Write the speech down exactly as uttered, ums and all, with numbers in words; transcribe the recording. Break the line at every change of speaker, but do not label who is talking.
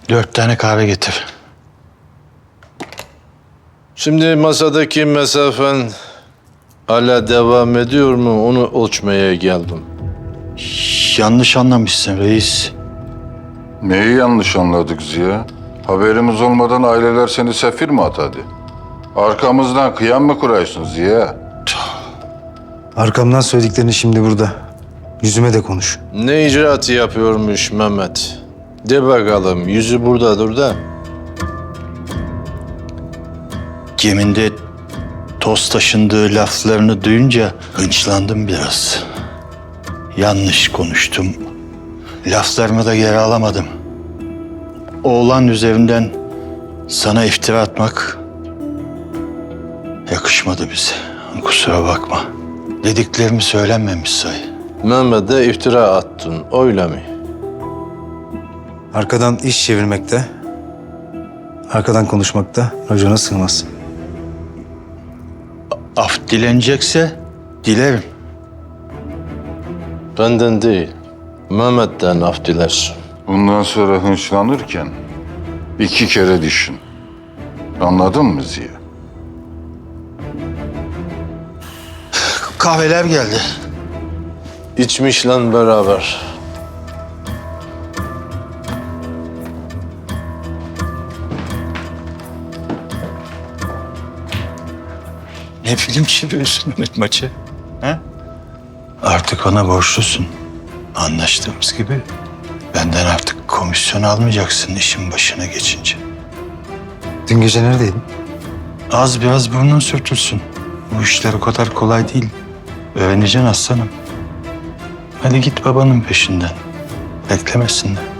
Dört tane kahve getir.
Şimdi masadaki mesafen hala devam ediyor mu onu ölçmeye geldim.
Yanlış anlamışsın reis.
Neyi yanlış anladık Ziya? Haberimiz olmadan aileler seni sefir mi atadı? Arkamızdan kıyam mı kuraysın Ziya?
Arkamdan söylediklerini şimdi burada. Yüzüme de konuş.
Ne icraatı yapıyormuş Mehmet? De bakalım, yüzü buradadır da.
Geminde toz taşındığı laflarını duyunca hınçlandım biraz. Yanlış konuştum. Laflarımı da geri alamadım. Oğlan üzerinden sana iftira atmak yakışmadı bize. Kusura bakma. Dediklerimi söylenmemiş say.
Mehmet'e iftira attın, öyle mi?
Arkadan iş çevirmekte, arkadan konuşmakta racona sığmaz.
Af dilenecekse dilerim.
Benden değil, Mehmet'ten af dilersin.
Bundan sonra hınçlanırken iki kere düşün. Anladın mı Ziya?
Kahveler geldi.
İçmişle beraber.
Ne film çeviriyorsun Mehmet maçı? He? Artık ona borçlusun. Anlaştığımız gibi. Benden artık komisyon almayacaksın işin başına geçince.
Dün gece neredeydin?
Az biraz burnun sürtülsün. Bu işler o kadar kolay değil. Öğreneceksin aslanım. Hadi git babanın peşinden. Beklemesinler.